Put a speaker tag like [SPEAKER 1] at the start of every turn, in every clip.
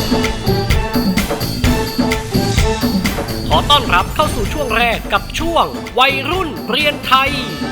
[SPEAKER 1] ขอต้อนรับเข้าสู่ช่วงแรกกับช่วงวัยรุ่นเรียนไทย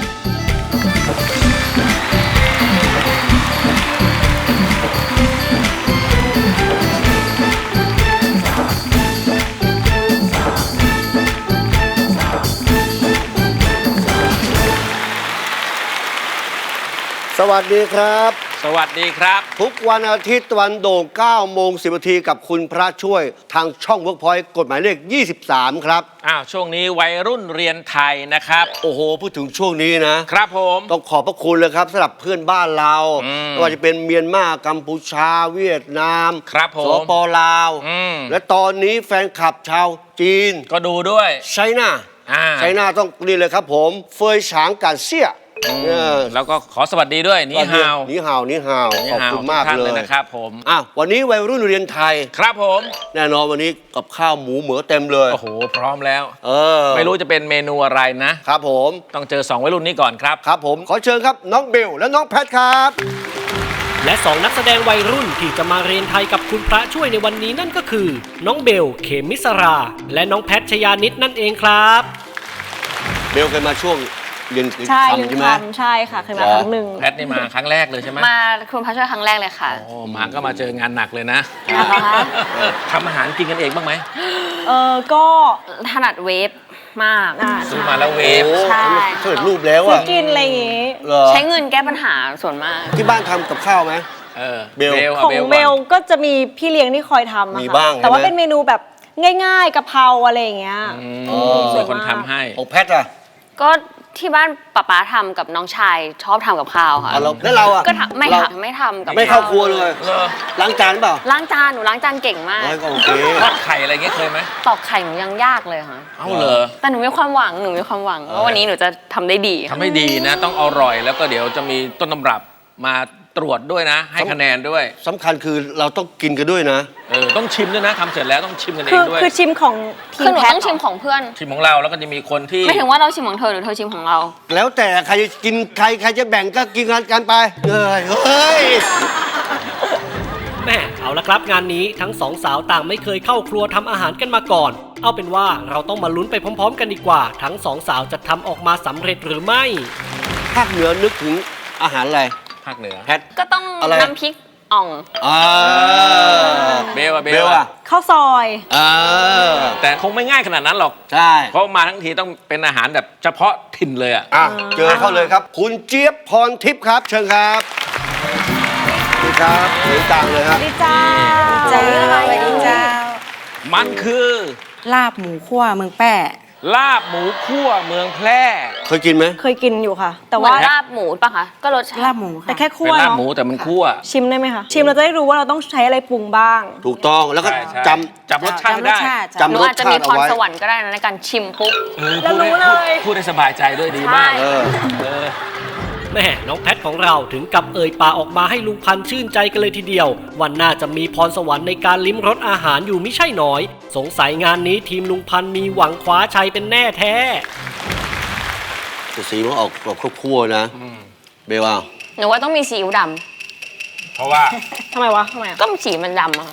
[SPEAKER 2] สวัสดีครับ
[SPEAKER 3] สวัสดีครับ
[SPEAKER 2] ทุกวันอาทิตย์วันโด่ง9 โมง 10 นาทีกับคุณพระช่วยทางช่อง Workpoint กฎหมายเลข 23 ครับ
[SPEAKER 3] ช่วงนี้วัยรุ่นเรียนไทยนะครับ
[SPEAKER 2] โอ้โหพูดถึงช่วงนี้นะครับ
[SPEAKER 3] ผม
[SPEAKER 2] ต้องขอบพระคุณเลยครับสำหรับเพื่อนบ้านเราไม่ว่าจะเป็นเมียนมากัมพูชาเวียดนาม
[SPEAKER 3] ครับผม
[SPEAKER 2] สปลาวและตอนนี้แฟนคลับชาวจีน
[SPEAKER 3] ก็ดูด้วย
[SPEAKER 2] ไชน่าต้องนี่เลยครับผมเฟยฉางกันเซี่ย
[SPEAKER 3] แล้วก็ขอสวัสดีด้วยนี่ฮาว
[SPEAKER 2] ขอบคุณมากเลย
[SPEAKER 3] นะครับผม
[SPEAKER 2] วันนี้วัยรุ่นเรียนไทย
[SPEAKER 3] ครับผม
[SPEAKER 2] แน่นอนวันนี้กับข้าวหมูเหมือเต็มเลย
[SPEAKER 3] โอ้โหพร้อมแล้วไม่รู้จะเป็นเมนูอะไรนะครับ
[SPEAKER 2] ผม
[SPEAKER 3] ต้องเจอ2วัยรุ่นนี้ก่อนครับ
[SPEAKER 2] ครับผมขอเชิญครับน้องเบลและน้องแพทครับ
[SPEAKER 1] และ2นักแสดงวัยรุ่นที่จะมาเรียนไทยกับคุณพระช่วยในวันนี้นั่นก็คือน้องเบลเขมิสราและน้องแพทชยานิดนั่นเองครับ
[SPEAKER 2] เบลเคยมาช่วงเรียน
[SPEAKER 4] ใช่ใช่ค่ะเคยมาครั้งหนึ่ง
[SPEAKER 3] แพทนี่มาครั้งแรกเลยใช่ไหม
[SPEAKER 4] มาคุณพระช่วยครั้งแรกเลยค่ะ
[SPEAKER 3] โอ้มาก็มาเจองานหนักเลยนะทำอาหารกินกันเองบ้างไหม
[SPEAKER 4] ก็ถนัดเวฟมาก
[SPEAKER 3] ซื้อมาแล้วเวฟ
[SPEAKER 4] ใช่
[SPEAKER 2] สำเร็จรูปแล้วอ่ะ
[SPEAKER 4] กินอะไรอย่างงี้ใช้เงินแก้ปัญหาส่วนมาก
[SPEAKER 2] ที่บ้านทำกับข้าวไหม
[SPEAKER 4] เบลของเบลก็จะมีพี่เลี้ยงที่คอยทำ
[SPEAKER 2] มีบ้าง
[SPEAKER 4] แต่ว่าเป็นเมนูแบบง่ายๆกะเพราอะไรอย่างเงี้ย
[SPEAKER 3] ส่วนคนทำให้
[SPEAKER 2] ของแพทอ่ะ
[SPEAKER 4] ก็ที่บ้านป๊าทำกับน้องชายชอบทำกับข้าวค่ะ
[SPEAKER 2] แล้วเราอ่ะ
[SPEAKER 4] ก็ไม่ทำกับ
[SPEAKER 2] ไม่เข้าครัวเลยล้างจานเปล่า
[SPEAKER 4] ล้างจานหนูล้างจานเก่งมาก
[SPEAKER 2] ก็โอเค
[SPEAKER 3] ทอดไข่อะไรเงี้ยเคยไหม
[SPEAKER 4] ตอกไข่หนูยังยากเลยค่ะ
[SPEAKER 3] เหรอ
[SPEAKER 4] แต่หนูมีความหวังว่าวันนี้หนูจะทำได้ดี
[SPEAKER 3] ทำให้ดีนะต้องอร่อยแล้วก็เดี๋ยวจะมีต้นตำรับมาตรวจด้วยนะให้คะแนนด้วย
[SPEAKER 2] สำคัญคือเราต้องกินกันด้วยนะ
[SPEAKER 3] ต้องชิมด้วยนะทำเสร็จแล้วต้องชิมกันเองด้วย
[SPEAKER 4] คือชิมของทีมแพทต้องชิมของเพื่อน
[SPEAKER 3] ชิมของเราแล้วก็จะมีคนที่
[SPEAKER 4] ไม่ถึงว่าเราชิมของเธอหรือเธอชิมของเรา
[SPEAKER 2] แล้วแต่ใครจะกินใครจะแบ่งก็กินกันไปเฮ้ย
[SPEAKER 1] แม่เอาละครับงานนี้ทั้งสองสาวต่างไม่เคยเข้าครัวทำอาหารกันมาก่อนเอาเป็นว่าเราต้องมาลุ้นไปพร้อมๆกันดีกว่าทั้งสองสาวจะทำออกมาสำเร็จหรือไม่
[SPEAKER 2] ภาคเหนือนึกถึงอาหารอะไร
[SPEAKER 3] ภาคเหนือ
[SPEAKER 2] แพท
[SPEAKER 4] ก็ต้องน้ำพริกอ่อง
[SPEAKER 3] เบล
[SPEAKER 4] ข้าวซอย
[SPEAKER 3] แต่คงไม่ง่ายขนาดนั้นหรอก
[SPEAKER 2] ใช่
[SPEAKER 3] เพราะมาทั้งทีต้องเป็นอาหารแบบเฉพาะถิ่นเลย
[SPEAKER 2] เจอเข้าเลยครับคุณเจี๊ยบพรทิพย์ครับเชิญครับสวัสดีครับเสียงดังเลยครับ
[SPEAKER 4] สวัสดีจ้า
[SPEAKER 3] มันคือ
[SPEAKER 5] ลาบหมูคั่วเมืองแป้
[SPEAKER 3] ลาบหมูคั่วเมืองแพร่
[SPEAKER 2] เคยกินไหม
[SPEAKER 4] เคยกินอยู่ค่ะแต่ว่าลาบหมูป่ะคะก็รสชาติ
[SPEAKER 5] ลาบหมู
[SPEAKER 4] แต่แค่คั่ว
[SPEAKER 3] เป็นลาบหมูแต่มันคั่ว
[SPEAKER 4] ชิมได้ไหมคะชิมเราจะได้รู้ว่าเราต้องใช้อะไรปรุงบ้าง
[SPEAKER 2] ถูกต้องแล้วก็
[SPEAKER 3] จำรสชาติได้
[SPEAKER 4] หนูอาจจะมีพรสวรรค์ก็ได้ในการชิมปุ๊บ
[SPEAKER 3] แล้วรู้เลยพูดได้สบายใจด้วยดีมาก
[SPEAKER 1] แม่น้องแพทของเราถึงกับเอ่ยปากออกมาให้ลุงพันธ์ชื่นใจกันเลยทีเดียววันหน้าจะมีพรสวรรค์ในการลิ้มรสอาหารอยู่มิใช่น้อยสงสัยงานนี้ทีมลุงพันธ์มีหวังคว้าชัยเป็นแน่แท้
[SPEAKER 2] สีมันออกแบบคั่วๆนะเบลว่า
[SPEAKER 4] หนูว่าต้องมีซีอิ๊วดำ
[SPEAKER 3] เพราะว่า
[SPEAKER 4] ทำไมก็สีมันดำอะ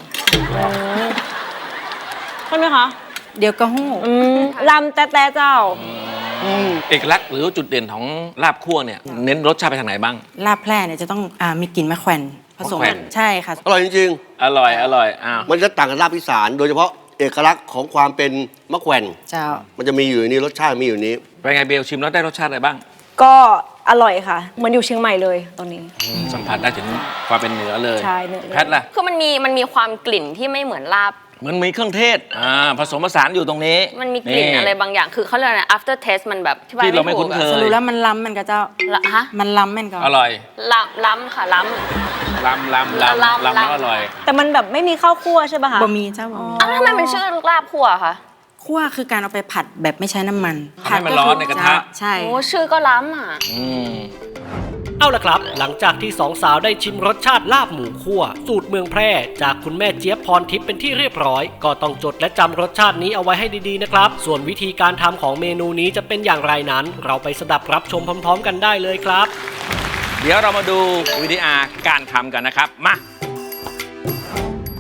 [SPEAKER 4] ใช่ไหมคะ
[SPEAKER 5] เดี๋ยวก็หู้
[SPEAKER 4] ดำแต่เจ้า
[SPEAKER 3] เอกลักษณ์หรือจุดเด่นของลาบคั่วเนี่ยเน้นรสชาติไปทางไหนบ้าง
[SPEAKER 5] ลาบแพร่เนี่ยจะต้องมีกลิ่นมะแขวนผสมใช่ค่ะ
[SPEAKER 2] อร่อยจริง
[SPEAKER 3] ๆอร่อย
[SPEAKER 2] มันจะต่างกับลาบอีสานโดยเฉพาะเอกลักษณ์ของความเป็นมะแขวน
[SPEAKER 5] เจ้า
[SPEAKER 2] มันจะมีอยู่นี่รสชาติมีอยู่นี้
[SPEAKER 3] เป็นไงเบลชิมแล้วได้รสชาติอะไรบ้าง
[SPEAKER 4] ก็อร่อยค่ะเหมือนอยู่เชียงใหม่เลยตอนนี้
[SPEAKER 3] สัมผัสได้ถึงความเป็นเหนือเลย
[SPEAKER 4] ใช่เหนือ
[SPEAKER 3] แพทล่ะ
[SPEAKER 4] คือมันมีความกลิ่นที่ไม่เหมือนลาบ
[SPEAKER 3] เหมือนมีเครื่องเทศผสมผสานอยู่ตรงนี้
[SPEAKER 4] มันมีกลิ่นอะไรบางอย่างคือเขาเรียกอะไร after taste มันแบบ
[SPEAKER 3] ที่เราไม่คุ้นเคย
[SPEAKER 5] สรุปแล้วมันล้ำมันก็เจ้ามันล้ำมันก็
[SPEAKER 3] อร่อย
[SPEAKER 4] ล้ำค่ะล้
[SPEAKER 3] ำแล้วอร่อย
[SPEAKER 4] แต่มันแบบไม่มีข้าวคั่วใช่ป่ะคะ
[SPEAKER 5] บะหมี่เจ้า
[SPEAKER 4] ทำไมมันชื่อลาบคั่วคะ
[SPEAKER 5] คั่วคือการเอาไปผัดแบบไม่ใช้น้ำมัน
[SPEAKER 3] ผัดให้มันร้อนในกระทะ
[SPEAKER 5] ใช่
[SPEAKER 4] โอ้ชื่อก็ล้ำ
[SPEAKER 1] เอาล่ะครับหลังจากที่สองสาวได้ชิมรสชาติลาบหมูคั่วสูตรเมืองแพร่จากคุณแม่เจี๊ยบพรทิพย์เป็นที่เรียบร้อยก็ต้องจดและจำรสชาตินี้เอาไว้ให้ดีๆนะครับส่วนวิธีการทำของเมนูนี้จะเป็นอย่างไรนั้นเราไปสดับรับชมพร้อมๆกันได้เลยครับ
[SPEAKER 3] เดี๋ยวเรามาดูวิธีการทำกันนะครับมา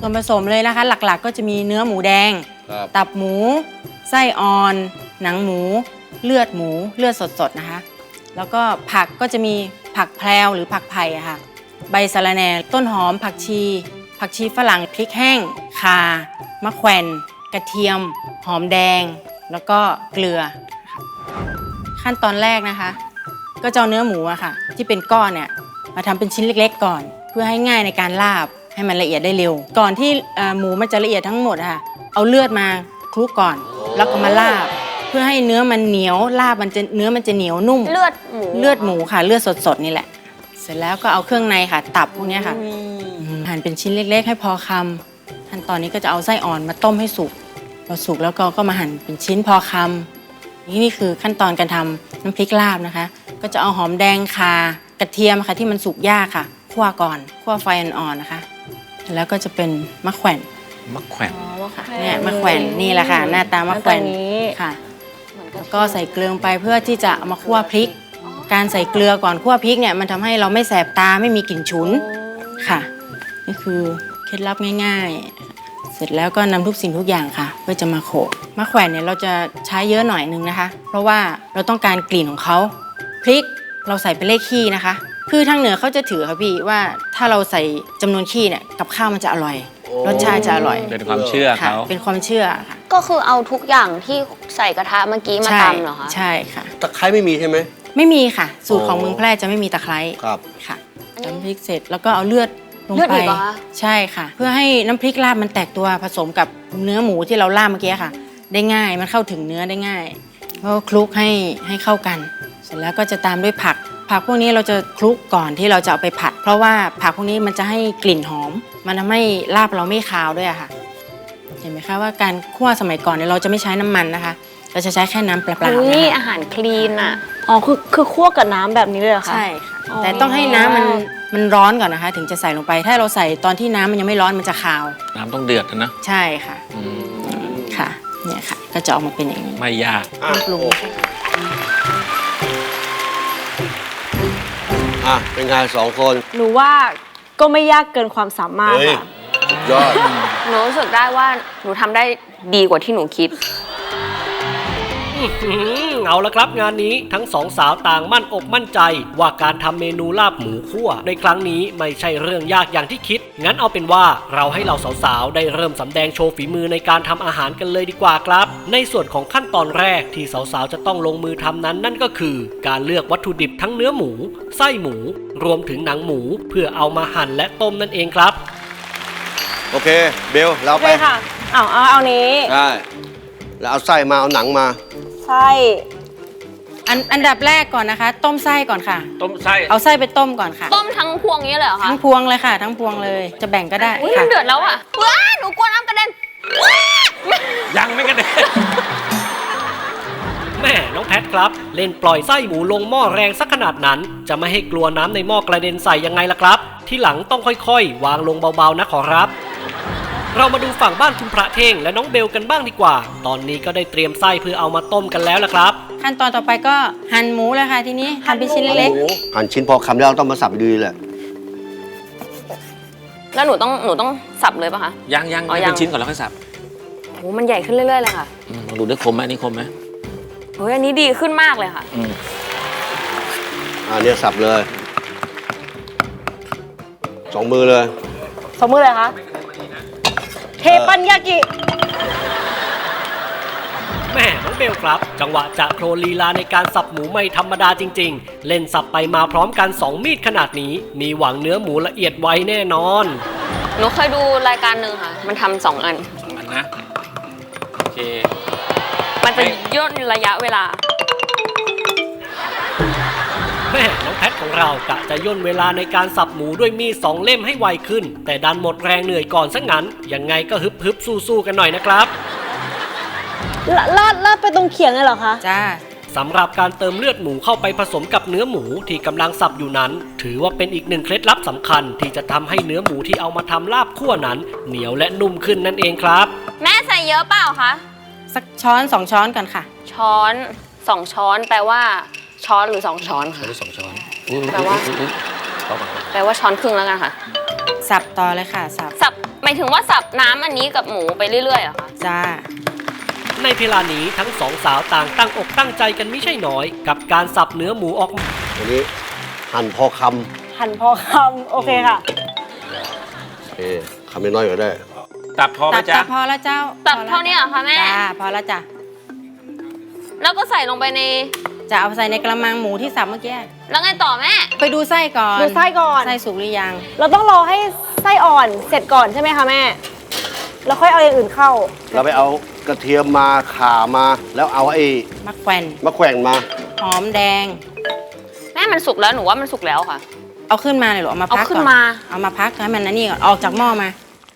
[SPEAKER 5] ส่วนผสมเลยนะคะ หลักๆก็จะมีเนื้อหมูแดง
[SPEAKER 2] ครับ
[SPEAKER 5] ตับหมู ไส้อ่อน หนังหมู เลือดหมู เลือดสดๆนะคะ แล้วก็ผักก็จะมีผักแพรวหรือผักไผ่อะค่ะ ใบสะระแหน่ ต้นหอม ผักชีฝรั่ง พริกแห้ง ข่า มะแขวนกระเทียม หอมแดง แล้วก็เกลือค่ะขั้นตอนแรกนะคะ ก็จะเอาเนื้อหมูอะค่ะ ที่เป็นก้อนเนี่ยมาทำเป็นชิ้นเล็กๆก่อน เพื่อให้ง่ายในการลาบให้มันละเอียดได้เร็ว ก่อนที่หมูมันจะละเอียดทั้งหมดอะค่ะ เอาเลือดมาคลุกก่อน แล้วก็มาลาบ เพื่อให้เนื้อมันเหนียวลาบเนื้อมันจะเหนียวนุ่ม
[SPEAKER 4] เลือดหมู
[SPEAKER 5] ค่ะ เลือดสดๆนี่แหละ เสร็จแล้วก็เอาเครื่องในค่ะ ตับพวกเนี้ยค่ะหั่นเป็นชิ้นเล็กๆ ให้พอคำขั้นตอนนี้ก็จะเอาไส้อ่อนมาต้มให้สุกพอสุกแล้วก็มาหั่นเป็นชิ้นพอคำนี่คือขั้นตอนการทำน้ำพริกลาบนะคะ ก็จะเอาหอมแดงข่ากระเทียมค่ะที่มันสุกยากค่ะคั่วก่อนคั่วไฟอ่อนๆนะคะแล้วก็จะเป็นมะแขวน
[SPEAKER 3] มะแขวน
[SPEAKER 5] ค่ะเนี่ยมะแขวนนี่แหละค่ะ หน้าตามะแขวนค่ะ แล้วก็ใส่เกลือลงไปเพื่อที่จะเอามาคั่วพริก การใส่เกลือก่อนคั่วพริกเนี่ยมันทำให้เราไม่แสบตาไม่มีกลิ่นฉุนค่ะนี่คือเคล็ดลับง่ายๆ เสร็จแล้วก็นำทุกสิ่งทุกอย่างค่ะ เพื่อจะมาโขลกมะแขวนเนี่ยเราจะใช้เยอะหน่อยนึงนะคะ เพราะว่าเราต้องการกลิ่นของเขาพริกเราใส่เป็นเลขขี้นะคะคือทางเหนือเขาจะถือค่ะพี่ว่าถ้าเราใส่จำนวนขี้เนี่ยกับข้าวมันจะอร่อยรสชาติจะอร่อย
[SPEAKER 3] เป็นความเชื่อ
[SPEAKER 5] ค่ะ
[SPEAKER 3] เขา
[SPEAKER 5] เป็นความเชื่อค่ะ
[SPEAKER 4] ก็คือเอาทุกอย่างที่ใส่กระทะเมื่อกี้มาตำเหรอคะ
[SPEAKER 5] ใช่ค่ะ
[SPEAKER 2] ตะไคร้ไม่มีใช่ไหม
[SPEAKER 5] ไม่มีค่ะ สูตรของเมืองแพร่จะไม่มีตะไคร้
[SPEAKER 2] ครับ
[SPEAKER 5] ค่ะตำพริกเสร็จแล้วก็เอาเลือดลง
[SPEAKER 4] เลือด
[SPEAKER 5] ไป
[SPEAKER 4] อีกเหรอคะ
[SPEAKER 5] ใช่ค่ะ เพื่อให้น้ำพริกลาบมันแตกตัวผสมกับเนื้อหมูที่เราลาบเมื่อกี้ค่ะ ได้ง่ายมันเข้าถึงเนื้อได้ง่ายก็คลุกให้เข้ากัน เสร็จแล้วก็จะตามด้วยผักพวกนี้เราจะคลุกก่อนที่เราจะเอาไปผัด เพราะว่าผักพวกนี้มันจะให้กลิ่นหอม มันทำให้ลาบเราไม่คาวด้วยอะค่ะ เห็นไหมคะว่าการคั่วสมัยก่อนเนี่ยเราจะไม่ใช้น้ำมันนะคะ เราจะใช้แค่น้ำเปล่าๆ
[SPEAKER 4] อุ้ย
[SPEAKER 5] นะคะ
[SPEAKER 4] อาหารคลีนอ่ะ
[SPEAKER 6] อ๋อคือคั่วกับน้ำแบบนี้เลยเหรอคะ
[SPEAKER 5] ใช่ค่ะ
[SPEAKER 6] อ๋อ
[SPEAKER 5] แต่ต้องให้น้ำมันร้อนก่อนนะคะ ถึงจะใส่ลงไป ถ้าเราใส่ตอนที่น้ำมันยังไม่ร้อนมันจะคาว
[SPEAKER 3] น้ำต้องเดือดนะ
[SPEAKER 5] ใช่ค่ะ
[SPEAKER 3] อืม
[SPEAKER 5] ค่ะ เนี่ยค่ะ ก็จะออกมาเป็นอย่างนี้
[SPEAKER 3] ไม่ยาก
[SPEAKER 5] ปรุง
[SPEAKER 2] เป็นไงสองคน
[SPEAKER 6] หนูว่าก็ไม่ยากเกินความสามารถ
[SPEAKER 2] เฮ้ย
[SPEAKER 6] ค่ะ
[SPEAKER 2] สุดยอด
[SPEAKER 4] หนูรู้สึกได้ว่าหนูทำได้ดีกว่าที่หนูคิด
[SPEAKER 1] เอาละครับงานนี้ทั้งสองสาวต่างมั่นอกมั่นใจ ว่าการทำเมนูลาบหมูคั่วในครั้งนี้ไม่ใช่เรื่องยากอย่างที่คิด งั้นเอาเป็นว่าเราให้เราสาวๆได้เริ่มสำแดงโชว์ฝีมือในการทำอาหารกันเลยดีกว่าครับ ในส่วนของขั้นตอนแรกที่สาวๆจะต้องลงมือทำนั้นนั่นก็คือ การเลือกวัตถุดิบทั้งเนื้อหมู ไส้หมู รวมถึงหนังหมู เพื่อเอามาหั่นและต้มนั่นเองครับ
[SPEAKER 2] โอเค เบล เรา
[SPEAKER 6] โอ
[SPEAKER 2] ไป
[SPEAKER 6] เคค่ะเอานี้
[SPEAKER 2] ได้ แล้วเอาไส้มา เอาหนังมา
[SPEAKER 6] ไส้
[SPEAKER 5] อันดับแรกก่อนนะคะ ต้มไส้ก่อนค่ะ
[SPEAKER 3] ต้มไส้
[SPEAKER 5] เอาไส้ไปต้มก่อนค่ะ
[SPEAKER 4] ต้มทั้งพวงนี้เลยเหรอคะ
[SPEAKER 5] ทั้งพวงเลยค่ะ ทั้งพวงเลย จะแบ่งก็ได้
[SPEAKER 4] อุ้ยมั
[SPEAKER 5] ค่ะ
[SPEAKER 4] นเดือดแล้วอ่ะว้าหนูกลัวน้ำกระเด็น
[SPEAKER 3] ยังไม่กระเด็น
[SPEAKER 1] แม่น้องแพทครับ เล่นปล่อยไส้หมูลงหม้อแรงสักขนาดนั้น จะไม่ให้กลัวน้ำในหม้อกระเด็นใส่ยังไงล่ะครับ ที่หลังต้องค่อยๆ วางลงเบาๆนะขอรับ เรามาดูฝั่งบ้านคุณพระเท่งและน้องเบลกันบ้างดีกว่า ตอนนี้ก็ได้เตรียมไส้เพื่อเอามาต้มกันแล้วล่ะครับ
[SPEAKER 5] ขั้นตอนต่อไปก็หั่นหมูเลยค่ะทีนี้หั่นเป็นชิ้นเล็ก
[SPEAKER 2] หั่นชิ้นพอคำแล้วต้องมาสับดีแหละ
[SPEAKER 4] แล้วหนูต้องสับเลยปะคะ
[SPEAKER 3] ยัง
[SPEAKER 4] อ๋อ
[SPEAKER 3] ให้
[SPEAKER 4] ยั
[SPEAKER 3] เป็
[SPEAKER 4] ง
[SPEAKER 3] นชิ้นก่อนแล้วค่อยสับ
[SPEAKER 4] โหมันใหญ่ขึ้นเรื่อยๆเลยค่ะ
[SPEAKER 3] ลองดูได้คมไหมอันนี้คมไหม
[SPEAKER 4] เฮ้ยอันนี้ดีขึ้นมากเลยค่ะ
[SPEAKER 2] เนี่ยสับเลยสองมือเลย
[SPEAKER 6] สมมือเลยคะเทปันยากิ
[SPEAKER 1] แม่น้องเบลครับ จังหวะจะโครลีลาในการสับหมูไม่ธรรมดาจริงๆ เล่นสับไปมาพร้อมกัน 2 มีดขนาดนี้ มีหวังเนื้อหมูละเอียดไว้แน่นอน
[SPEAKER 4] หนูเคยดูรายการหนึ่งค่ะ มันทำ2 อัน
[SPEAKER 3] มันนะ โอเค
[SPEAKER 4] มันจะย่นระยะเวลา
[SPEAKER 1] แม่น้องแพทของเรากะจะย่นเวลาในการสับหมูด้วยมีด2 เล่มให้ไวขึ้น แต่ดันหมดแรงเหนื่อยก่อนซะงั้น ยังไงก็ฮึบสู้ๆกันหน่อยนะครับ
[SPEAKER 6] ลาดไปตรงเขียงเลยเหรอคะ
[SPEAKER 5] ๆจ้า
[SPEAKER 1] สำหรับการเติมเลือดหมูเข้าไปผสมกับเนื้อหมูที่กำลังสับอยู่นั้น ถือว่าเป็นอีกหนึ่งเคล็ดลับสำคัญ ที่จะทำให้เนื้อหมูที่เอามาทำลาบคั่วนั้น เหนียวและนุ่มขึ้นนั่นเองครับ
[SPEAKER 4] แม่ใส่เยอะเปล่าคะ
[SPEAKER 5] สักช้อน2 ช้อนก่อนค่ะ
[SPEAKER 4] ช้อน2 ช้อนแปลว่าช้อนหรือ2 ช้อนค่ะ
[SPEAKER 3] ได้2 ช้อน
[SPEAKER 4] แปลว่า
[SPEAKER 3] พอก่อน
[SPEAKER 4] แปลว่าช้อนครึ่งแล้วกันค่ะ
[SPEAKER 5] สับต่อเลยค่ะ สับ
[SPEAKER 4] สับหมายถึงว่าสับน้ำอันนี้กับหมูไปเรื่อยๆเหรอคะ
[SPEAKER 5] จ้า
[SPEAKER 1] ในเวลานี้ทั้งสองสาวต่างตั้งอกตั้งใจกันไม่ใช่น้อย กับการสับเนื้อหมูออกมา
[SPEAKER 2] วันนี้หั่นพอค
[SPEAKER 6] หั่นพอคำโอเคค่ะ
[SPEAKER 2] คำน้อยๆก็ได้
[SPEAKER 3] ตับพอไหม
[SPEAKER 5] ตับ
[SPEAKER 3] จ๊ะ
[SPEAKER 5] พอแล้วเจ้า
[SPEAKER 4] ตับ
[SPEAKER 5] พอแล้ว
[SPEAKER 4] เท่านี้เหรอคะแม่
[SPEAKER 5] จ้าพอแล้วจ้ะ
[SPEAKER 4] แล้วก็ใส่ลงไปใน
[SPEAKER 5] จะเอาใส่ในกระมังหมูที่สับเมื่อกี้
[SPEAKER 4] แล้วไงต่อแม่
[SPEAKER 5] ไปดูไส้ก่อน
[SPEAKER 6] ดูไส้ก่อน
[SPEAKER 5] ไส้สุกหรือยัง
[SPEAKER 6] เราต้องรอให้ไส้อ่อนเสร็จก่อนใช่ไหมคะแม่ แล้วค่อยเอาอย่างอื่นเข้า
[SPEAKER 2] เราไปเอากระเทียมมาข่ามา แล้วเอาไอ้
[SPEAKER 5] มะแขวน
[SPEAKER 2] มะแขวนมา
[SPEAKER 5] หอมแดง
[SPEAKER 4] แม่มันสุกแล้วหนูว่ามันสุกแล้วค่ะ
[SPEAKER 5] เอาขึ้นมาเลยเหรอเอามาพัก
[SPEAKER 4] เอาขึ้
[SPEAKER 5] ก่อน
[SPEAKER 4] นมา
[SPEAKER 5] เอามาพักให้มันนั่นนี่ก่อนออกจากหม้อมา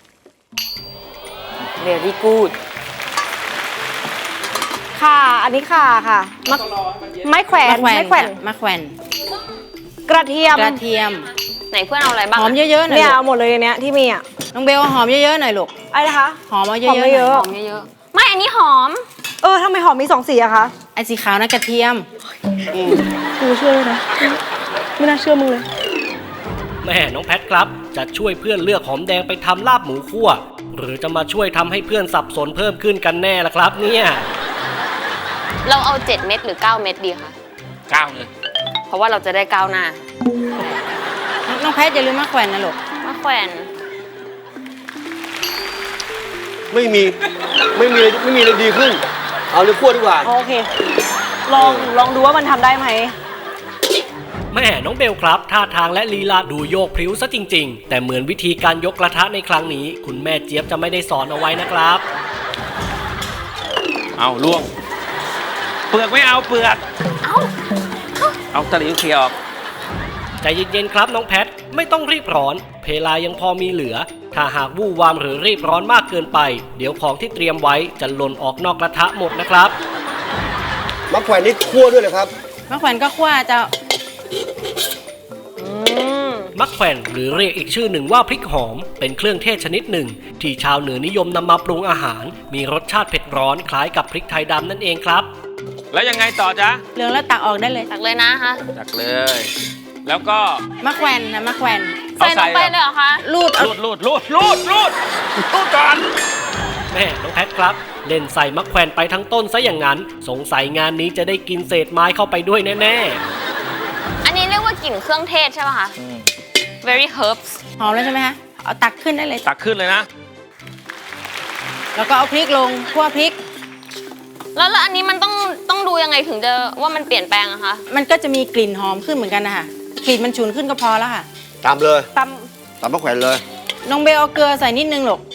[SPEAKER 4] very good
[SPEAKER 6] ค่ะ อันนี้ค่ะค่ะไม้แขวน
[SPEAKER 5] มะแขวน
[SPEAKER 6] ไม้แขวน
[SPEAKER 5] มะแขวน
[SPEAKER 6] กระเทียม
[SPEAKER 5] กระเทียม
[SPEAKER 4] ไหนเพื่อนเอาอะไรบ้าง
[SPEAKER 5] หอมเยอะๆหน่อย
[SPEAKER 6] เนี่ย
[SPEAKER 5] ลู
[SPEAKER 6] เอา
[SPEAKER 5] ก
[SPEAKER 6] หมดเลยในเนี้ยที่มีอ่ะ
[SPEAKER 5] น้องเบลเอาหอมเยอะๆหน่อยลูก
[SPEAKER 6] อะไรนะคะ
[SPEAKER 5] หอมเอาเยอะๆ
[SPEAKER 6] หอม
[SPEAKER 5] หน่อย
[SPEAKER 6] เยอะ
[SPEAKER 4] หอมเยอะๆไม่อันนี้หอม
[SPEAKER 6] ทำไมหอมมี2 สีอะคะ
[SPEAKER 5] ไอ้สีขาวนั่นกระเทียม
[SPEAKER 6] กูเชื่อเลยนะ ไม่น่าเชื่อมึงเลย
[SPEAKER 1] แม่น้องแพทครับ จะช่วยเพื่อนเลือกหอมแดงไปทำลาบหมูคั่ว หรือจะมาช่วยทำให้เพื่อนสับสนเพิ่มขึ้นกันแน่ล่ะครับเนี่ย
[SPEAKER 4] เราเอา7 เม็ดหรือ 9 เม็ดดีคะ
[SPEAKER 3] 9เลย
[SPEAKER 4] เพราะว่าเราจะได้ก้าวหน้า
[SPEAKER 5] น้องแพทอย่าลืมมะแขวนนะลูก
[SPEAKER 4] มะแขวน
[SPEAKER 2] ไม่มีอะไรดีขึ้น เอาเนื้อคั่วดีกว่า
[SPEAKER 6] โอเค ลองดูว่ามันทำได้ไหม
[SPEAKER 1] แม่น้องเบลครับท่าทางและลีลาดูโยกพริ้วซะจริง ๆ แต่เหมือนวิธีการยกกระทะในครั้งนี้ คุณแม่เจี๊ยบจะไม่ได้สอนเอาไว้นะครับ
[SPEAKER 3] เอาล่วง เปลือกไม่เอาเปลือก เอาตะหลิวเคลียร์ออก
[SPEAKER 1] ใจเย็นๆครับน้องแพทไม่ต้องรีบร้อนเพลายังพอมีเหลือ ถ้าหากวู่วามหรือรีบร้อนมากเกินไป เดี๋ยวของที่เตรียมไว้จะหล่นออกนอกกระทะหมดนะครับ
[SPEAKER 2] มะแขวนนี่คั่วด้วยเลยครับ
[SPEAKER 5] มะแขวนก็คั่วเจ้า
[SPEAKER 1] มักแขวนหรือเรียกอีกชื่อหนึ่งว่าพริกหอม เป็นเครื่องเทศชนิดหนึ่ง ที่ชาวเหนือนิยมนำมาปรุงอาหาร มีรสชาติเผ็ดร้อนคล้ายกับพริกไทยดำนั่นเองครับ
[SPEAKER 3] แล้วยังไงต่อจ๊ะ
[SPEAKER 5] เหลืองแล้วตักออกได้เลย
[SPEAKER 4] ตักเลยนะคะ
[SPEAKER 3] จักเลย แล้วก็
[SPEAKER 5] มะแขวนนะมะแขวน
[SPEAKER 4] ใส่ลงไปเลยเหรอคะ
[SPEAKER 5] รูดเอา
[SPEAKER 3] รูดก่อน
[SPEAKER 1] แม่น้องแพทครับ เล่นใส่มักแขวนไปทั้งต้นซะอย่างนั้น สงสัยงานนี้จะได้กินเศษไม้เข้าไปด้วยแน่ๆ
[SPEAKER 4] อันนี้เรียกว่ากลิ่นเครื่องเทศใช่ไหมคะ very herbs
[SPEAKER 5] หอมแล้วใช่ไหมคะ เอาตักขึ้นได้เลย
[SPEAKER 3] ตักขึ้นเลยนะ
[SPEAKER 5] แล้วก็เอาพริกลงคั่วพริก
[SPEAKER 4] แล้วอันนี้มันต้องดูยังไงถึงจะว่ามันเปลี่ยนแปลงอะคะ
[SPEAKER 5] มันก็จะมีกลิ่นหอมขึ้นเหมือนกันนะคะกลิ่นมันฉุนขึ้นก็พอแล้วค่ะ
[SPEAKER 2] ตามเลย
[SPEAKER 6] ต
[SPEAKER 2] ตามมะแขวนเลย
[SPEAKER 5] น้องเบลเอาเกลือใส่นิดนึงหรอก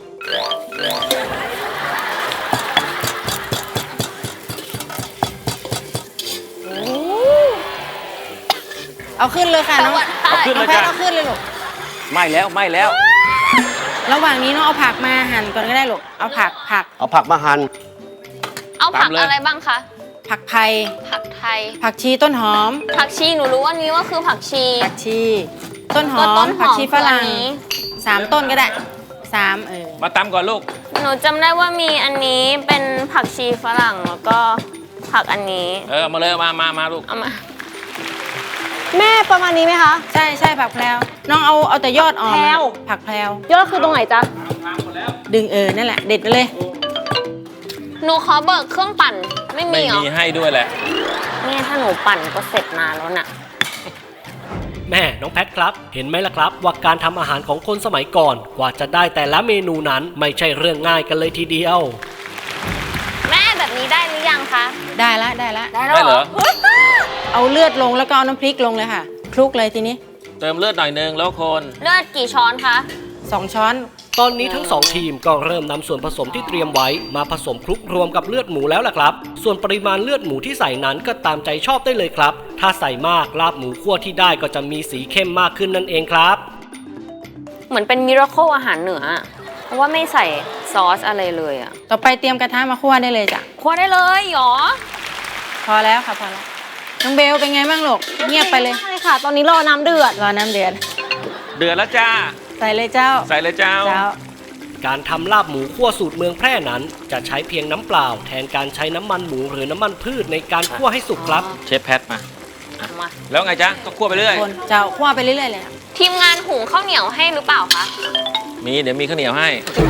[SPEAKER 5] เอาขึ้นเลยค่ะน้อง
[SPEAKER 3] เอาขึ้น
[SPEAKER 5] น้
[SPEAKER 3] เล
[SPEAKER 5] องแพท
[SPEAKER 3] ยจ้ะ
[SPEAKER 5] เอาขึ้นเลยลูก
[SPEAKER 3] ไม่แล้ว
[SPEAKER 5] ระหว่างนี้น้องเอาผักมาหั่นก่อนก็ได้ลูก เอาผัก
[SPEAKER 2] เอาผักมาหั่น
[SPEAKER 4] เอาผัก
[SPEAKER 3] ตามเลย
[SPEAKER 4] อะไรบ้างคะ
[SPEAKER 5] ผักไผ่
[SPEAKER 4] ผักไทย
[SPEAKER 5] ผักชีต้นหอม
[SPEAKER 4] ผักชีหนูรู้ว่านี้ว่าคือผักชี
[SPEAKER 5] ผักชี ต้นหอ
[SPEAKER 4] ก็ต้
[SPEAKER 5] ม
[SPEAKER 4] นหอม
[SPEAKER 5] ผักชีฝรั่ง
[SPEAKER 4] คืออันนี้
[SPEAKER 5] 3 ต้นก็ได้3
[SPEAKER 3] มาตำก่อนลูก
[SPEAKER 4] หนูจำได้ว่ามีอันนี้เป็นผักชีฝรั่งแล้วก็ผักอันนี้
[SPEAKER 3] เอามาเลยมาลูก
[SPEAKER 4] เอามา
[SPEAKER 6] ำแม่ประมาณนี้ไหมคะ
[SPEAKER 5] ใช่ผักแพรวน้องเอาแต่ยอดอ่อน
[SPEAKER 6] แพรว
[SPEAKER 5] ผักแพรวย
[SPEAKER 6] อดคือตรงไหนจ๊ะ
[SPEAKER 5] ดึงนั่นแหละ เด็ดไปเลย
[SPEAKER 4] หนูขอเบิกเครื่องปั่นไม่
[SPEAKER 3] ไม่
[SPEAKER 4] มีเหรอ
[SPEAKER 3] มีให้ด้วยแหละ
[SPEAKER 4] เนี่ยถ้าหนูปั่นก็เสร็จนานแล้วน่ะ
[SPEAKER 1] แม่น้องแพทครับ เห็นไหมล่ะครับ ว่าการทำอาหารของคนสมัยก่อน กว่าจะได้แต่ละเมนูนั้นไม่ใช่เรื่องง่ายกันเลยทีเดียว
[SPEAKER 4] แม่แบบนี้ได้หรือยังคะ
[SPEAKER 5] ได้ละ
[SPEAKER 4] ได้แล้ว
[SPEAKER 3] ได้เหรอ
[SPEAKER 5] เอาเลือดลงแล้วก็เอาน้ำพริกลงเลยค่ะ คลุกเลยทีนี้
[SPEAKER 3] เติมเลือดหน่อยนึงแล้วคน
[SPEAKER 4] เลือดกี่ช้อนคะ
[SPEAKER 5] 2 ช้อน
[SPEAKER 1] ตอนนี้ทั้งสองทีมก็เริ่มนำส่วนผสมที่เตรียมไว้มาผสมคลุกรวมกับเลือดหมูแล้วล่ะครับ ส่วนปริมาณเลือดหมูที่ใส่นั้นก็ตามใจชอบได้เลยครับ ถ้าใส่มากลาบหมูคั่วที่ได้ก็จะมีสีเข้มมากขึ้นนั่นเองครับ
[SPEAKER 4] เหมือนเป็นมิราเคิลอาหารเหนืออะเพราะว่าไม่ใส่ซอสอะไรเลยอะ
[SPEAKER 5] ต่อไปเตรียมกระทะมาคั่วได้เลยจ้ะ
[SPEAKER 4] คั่วได้เลยเหรอ
[SPEAKER 5] พอแล้วค่ะพอแล้ว น้องเบลเป็นไงบ้างลูก เงียบไปเลย
[SPEAKER 6] ใช่ค่ะ ตอนนี้รอน้ำเดือด
[SPEAKER 5] รอน้ำเดือด
[SPEAKER 3] เดือดแล้วจ้า
[SPEAKER 5] ใส่เลยเจ้า
[SPEAKER 3] ใส่เลยเจ้า
[SPEAKER 5] เจ้า
[SPEAKER 1] การทำลาบหมูคั่วสูตรเมืองแพร่นั้น จะใช้เพียงน้ำเปล่า แทนการใช้น้ำมันหมูหรือน้ำมันพืชในการคั่วให้สุกครับ
[SPEAKER 3] เชฟแพทมา
[SPEAKER 4] มา
[SPEAKER 3] แล้วไงจ๊ะก็คั่วไปเรื่อย
[SPEAKER 5] คนเจ้าคั่วไปเรื่อยๆเลยค่ะ
[SPEAKER 4] ทีมงานหุงข้าวเหนียวให้หรือเปล่าคะ
[SPEAKER 3] เดี๋ยวมีข้าวเหนียวให้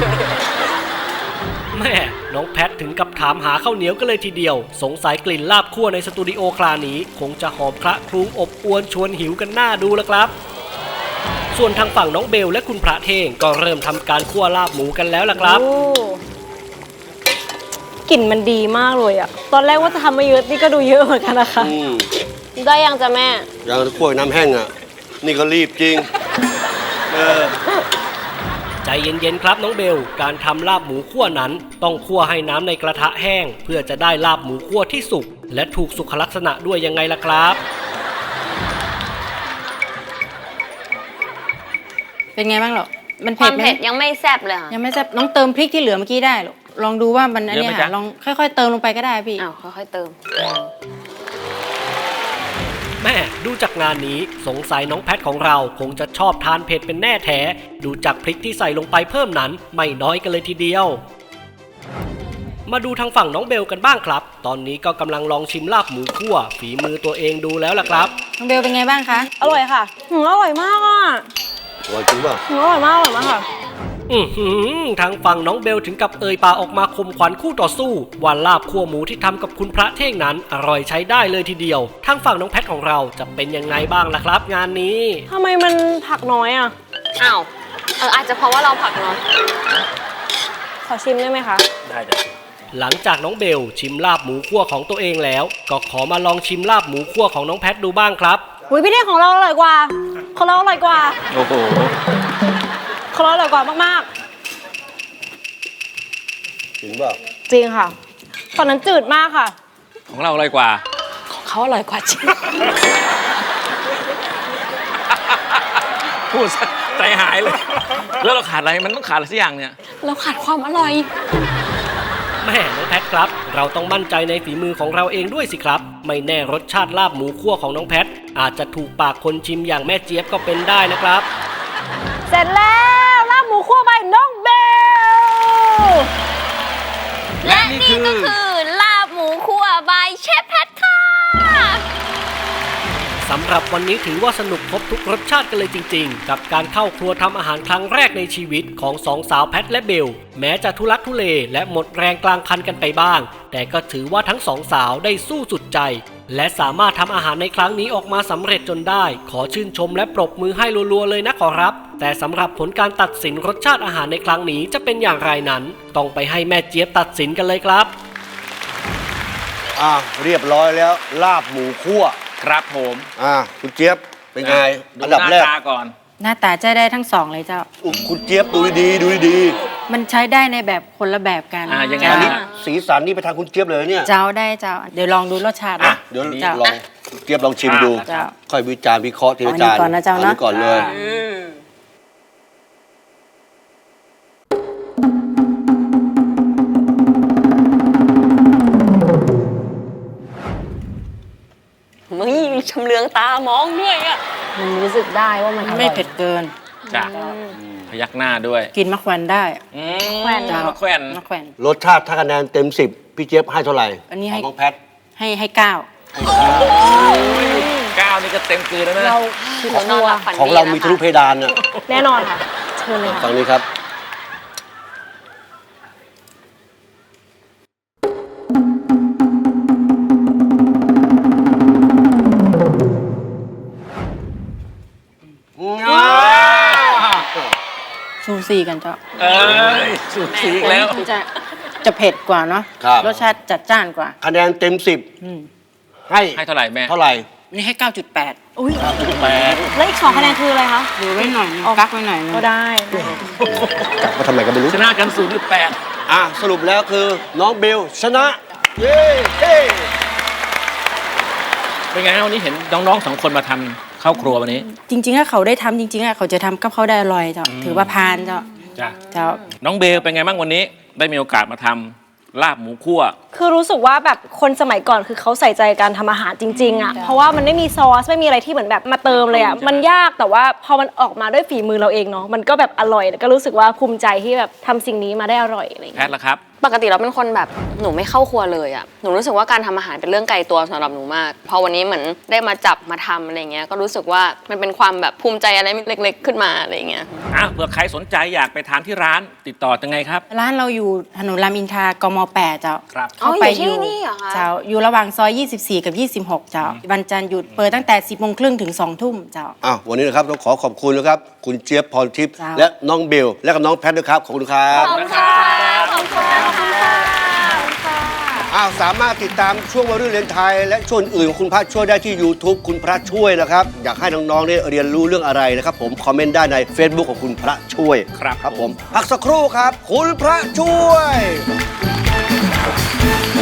[SPEAKER 1] แม่น้องแพทถึงกับถามหาข้าวเหนียวกันเลยทีเดียว สงสัยกลิ่นลาบคั่วในสตูดิโอคราวนี้ คงจะหอมคละคลุ้งอบอวนชวนหิวกันหน้าดูแล้วครับ ส่วนทางฝั่งน้องเบลและคุณพระเท่งก็เริ่มทำการคั่วลาบหมูกันแล้วล่ะครับ
[SPEAKER 6] โอ้กลิ่นมันดีมากเลยอะตอนแรกว่าจะทำมาเยอะนี่ก็ดูเยอะเหมือนกันนะคะ ได้ยังจ้ะแม่
[SPEAKER 2] อย่างกล้วยน้ำแห้งอ่ะ นี่ก็รีบจริง
[SPEAKER 1] ใจเย็นๆครับน้องเบล การทำลาบหมูคั่วนั้นต้องคั่วให้น้ำในกระทะแห้ง เพื่อจะได้ลาบหมูคั่วที่สุกและถูกสุขลักษณะด้วยยังไงล่ะครับ
[SPEAKER 5] เป็นไงบ้างหรอมัน
[SPEAKER 4] ค
[SPEAKER 5] เผ็
[SPEAKER 4] วา
[SPEAKER 5] ด
[SPEAKER 4] ม
[SPEAKER 5] ไหม
[SPEAKER 4] เผ็ดยังไม่แซ่บเลยค่ะ
[SPEAKER 5] ยังไม่แซ่บน้องเติมพริกที่เหลือเมื่อกี้ได้หรอลองดูว่ามันอันเนี้ย
[SPEAKER 3] เยอะไหม
[SPEAKER 5] ค่ะ
[SPEAKER 3] จ๊ะ
[SPEAKER 5] ลองค่อยๆเติมลงไปก็ได้พี่
[SPEAKER 4] อ้าวค่อยๆเติม
[SPEAKER 1] แม่ดูจากงานนี้สงสัยน้องแพทของเราคงจะชอบทานเผ็ดเป็นแน่แท้ดูจากพริกที่ใส่ลงไปเพิ่มนั้นไม่น้อยกันเลยทีเดียว มาดูทางฝั่งน้องเบลกันบ้างครับ ตอนนี้ก็กำลังลองชิมลาบหมูคั่วฝีมือตัวเองดูแล้วล่ะครับ
[SPEAKER 5] น้องเบลเป็นไงบ้างคะ
[SPEAKER 6] อร่อยค่ะอร่อยมากอ่ะ
[SPEAKER 2] อร่อยจริงป่ะ
[SPEAKER 6] อร่อยมากอร่อยมากค่ะ
[SPEAKER 1] ทางฝั่งน้องเบลถึงกับเอ่ยปากออกมาคมขวัญคู่ต่อสู้ว่าลาบคั่วหมูที่ทำกับคุณพระเท่งนั้นอร่อยใช้ได้เลยทีเดียวทางฝั่งน้องแพทของเราจะเป็นยังไงบ้างล่ะครับ งานนี้
[SPEAKER 6] ทำไมมันผักน้อยอ่ะ
[SPEAKER 4] อ้าวอาจจะเพราะว่าเราผักน้อย
[SPEAKER 6] ขอชิมได้ไหมคะ
[SPEAKER 3] ได้จ้ะ
[SPEAKER 1] หลังจากน้องเบลชิมลาบหมูคั่วของตัวเองแล้ว ก็ขอมาลองชิมลาบหมูคั่วของน้องแพทดูบ้างครับ
[SPEAKER 6] อุ้ยพี่เท่งของเราอร่อยกว่า ของเราอร่อยกว่า
[SPEAKER 3] โอ้โห
[SPEAKER 6] ของเราอร่อยกว่ามาก
[SPEAKER 2] จริงป่ะ
[SPEAKER 6] ๆ จริงค่ะ ตอนนั้นจืดมากค่ะ
[SPEAKER 3] ของเราอร่อยกว่า
[SPEAKER 6] ของเขาอร่อยกว่าจริง
[SPEAKER 3] พูดซะใจหายเลย แล้วเราขาดอะไร มันต้องขาดอะไรสักอย่างเนี่ย
[SPEAKER 4] เราขาดความอร่อย
[SPEAKER 1] แม่น้องแพทครับ เราต้องมั่นใจในฝีมือของเราเองด้วยสิครับ ไม่แน่รสชาติลาบหมูคั่วของน้องแพทอาจจะถูกปากคนชิมอย่างแม่เจี๊ยบก็เป็นได้นะครับ
[SPEAKER 6] เสร็จแล้วลาบหมูคั่วใบน้องเบล
[SPEAKER 4] และนี่ก็คือลาบหมูคั่วบายเชฟแพทค่ะ
[SPEAKER 1] สำหรับวันนี้ถือว่าสนุกครบทุกรสชาติกันเลยจริงๆ กับการเข้าครัวทำอาหารครั้งแรกในชีวิตของสองสาวแพทและเบล แม้จะทุลักทุเลและหมดแรงกลางคันกันไปบ้าง แต่ก็ถือว่าทั้งสองสาวได้สู้สุดใจ และสามารถทำอาหารในครั้งนี้ออกมาสำเร็จจนได้ ขอชื่นชมและปรบมือให้รัวๆเลยนะขอรับ แต่สำหรับผลการตัดสินรสชาติอาหารในครั้งนี้จะเป็นอย่างไรนั้น ต้องไปให้แม่เจี๊ยบตัดสินกันเลยครับ
[SPEAKER 2] เรียบร้อยแล้วลาบหมูคั่ว
[SPEAKER 3] ครับผม
[SPEAKER 2] คุณเจี๊ยบเป็นไง
[SPEAKER 3] ดู
[SPEAKER 2] อัน
[SPEAKER 3] ห
[SPEAKER 2] ดับแรก
[SPEAKER 3] น้าตาก่อน
[SPEAKER 5] หน้าตาจะได้ทั้งสองเลยเจ้า
[SPEAKER 2] คุณเจี๊ยบดูดีๆดูดี
[SPEAKER 5] มันใช้ได้ในแบบคนละแบบกัน
[SPEAKER 3] ยังไง
[SPEAKER 2] ๆอันนี้
[SPEAKER 5] เจ้า
[SPEAKER 2] สีสันนี่ไปทางคุณเจี๊ยบเลยเนี่ย
[SPEAKER 5] เจ้าได้เจ้า เดี๋ยวลองดูรสชาตินะ
[SPEAKER 2] เดี๋ยว
[SPEAKER 5] เจ้า
[SPEAKER 2] ลองเจี๊ยบลองชิมดู
[SPEAKER 5] เจ้า
[SPEAKER 2] ค่อยวิจารณ์วิเคราะห์ทีละจาน
[SPEAKER 5] เอาอันนี้ก่อนนะเจ้านะ
[SPEAKER 2] ก่อนเลย
[SPEAKER 4] มึงชำเลืองตามองด้วยอ่ะ
[SPEAKER 6] มันรู้สึกได้ว่ามันอร่อย
[SPEAKER 5] ไม่เผ็ดเกิน
[SPEAKER 3] จ้ะพยักหน้าด้วย
[SPEAKER 5] กินมะแขวนได้
[SPEAKER 6] แขวน
[SPEAKER 5] เจ้า
[SPEAKER 3] แขวน
[SPEAKER 5] มะแขวน
[SPEAKER 2] รสชาติถ้าคะแนนเต็ม 10 พี่เจี๊ยบให้เท่าไหร่
[SPEAKER 5] อันนี้
[SPEAKER 2] ข
[SPEAKER 5] ให้
[SPEAKER 2] องน้องแพท
[SPEAKER 5] ให้เก้า
[SPEAKER 3] ก้าวนี่ก็เต็มกลืนแล้วนะ
[SPEAKER 6] เรา
[SPEAKER 4] คือเรานอนหลับฝันดี
[SPEAKER 2] ของเรามีทะลุเพดานน่ะ
[SPEAKER 6] แน่นอนค่ะ เชิญเลยค่ะ
[SPEAKER 2] ฟังนี้ครับ
[SPEAKER 5] ซูซีกันเจ้า
[SPEAKER 3] เอ้ยสูสีอีกแล้ว
[SPEAKER 5] มันจะเผ็ดกว่าเนาะ
[SPEAKER 2] ครับ
[SPEAKER 5] รสชาติจัดจ้านกว่า
[SPEAKER 2] คะแนนเต็ม
[SPEAKER 5] อืม
[SPEAKER 2] 10 ให้
[SPEAKER 3] ให้เท่าไหร่แม่
[SPEAKER 2] เท่าไหร่
[SPEAKER 5] นี่ให้ 9.8
[SPEAKER 6] อุ้ย
[SPEAKER 3] แปด
[SPEAKER 6] แล้วอีก2คะแนนคืออะไรคะ
[SPEAKER 5] ดูไว้หน่อยนึงกักไว้หน่อยนึง
[SPEAKER 6] ก็ได้
[SPEAKER 2] กลับมาทำไมกันไม่รู้
[SPEAKER 3] ชนะกัน0.8
[SPEAKER 2] สรุปแล้วคือน้องเบลชนะ เย้เฮ้
[SPEAKER 3] เป็นไงฮะวันนี้เห็นน้องๆ2 คนมาทำข้าวครัววันนี้
[SPEAKER 5] จริงๆถ้าเขาได้ทำจริงๆอะเขาจะทำกับเขาได้อร่อยเจ้าถือว่าพานเจ้า
[SPEAKER 3] จ้ะ
[SPEAKER 5] เจ้า
[SPEAKER 3] น้องเบลเป็นไงบ้างวันนี้ ได้มีโอกาสมาทำลาบหมูคั่ว
[SPEAKER 6] คือรู้สึกว่าแบบคนสมัยก่อนคือเขาใส่ใจการทำอาหารจริงๆอ่ะ เพราะว่ามันไม่มีซอสไม่มีอะไรที่เหมือนแบบมาเติมเลยอ่ะ มันยากแต่ว่าพอมันออกมาด้วยฝีมือเราเองเนาะ มันก็แบบอร่อยแล้วก็รู้สึกว่าภูมิใจที่แบบทำสิ่งนี้มาได้อร่อยอะไรอย่าง
[SPEAKER 3] แพ
[SPEAKER 6] เงี้
[SPEAKER 3] ท
[SPEAKER 6] ย
[SPEAKER 3] ล่ะครับ
[SPEAKER 4] ปกติเราเป็นคนแบบหนูไม่เข้าครัวเลยอะหนูรู้สึกว่าการทำอาหารเป็นเรื่องไกลตัวสำหรับหนูมากพอวันนี้เหมือนได้มาจับมาทำอะไรเงี้ยก็รู้สึกว่ามันเป็นความแบบภูมิใจอะไรเล็กๆขึ้นมาอะไรเงี้ย
[SPEAKER 3] เผื่อใครสนใจอยากไปทานที่ร้านติดต่อยังไงครับ
[SPEAKER 5] ร้านเราอยู่ถนนรามอินทรากม8เจ้า
[SPEAKER 3] ครับ
[SPEAKER 5] เข้าไป
[SPEAKER 4] อยู่ที่นี่เหรอคะ
[SPEAKER 5] เจ้าอยู่ระหว่างซอย 24 กับ 26 เจ้าวันจันทร์หยุดเปิดตั้งแต่ 10 โมงครึ่งถึง 2 ทุ่มเจ้า
[SPEAKER 2] วันนี้นะครับต้องขอขอบคุณนะครับ คุณเจี๊ยบพรทิพย์
[SPEAKER 5] ครับ
[SPEAKER 2] และน้องเบล และก็น้องแพทด้วยครับ ขอบคุณครับ
[SPEAKER 4] ขอบคุณค่ะขอบคุณค่ะ
[SPEAKER 2] สามารถติดตามช่วงวัยรุ่นเรียนไทย และช่วงอื่นของคุณพระช่วยได้ที่ YouTube คุณพระช่วยนะครับ อยากให้น้องๆได้เรียนรู้เรื่องอะไรนะครับผมคอมเมนต์ได้ใน Facebook ของคุณพระช่วย
[SPEAKER 3] ครับ
[SPEAKER 2] ครับผมพักสักครู่ครับ คุณพระช่วย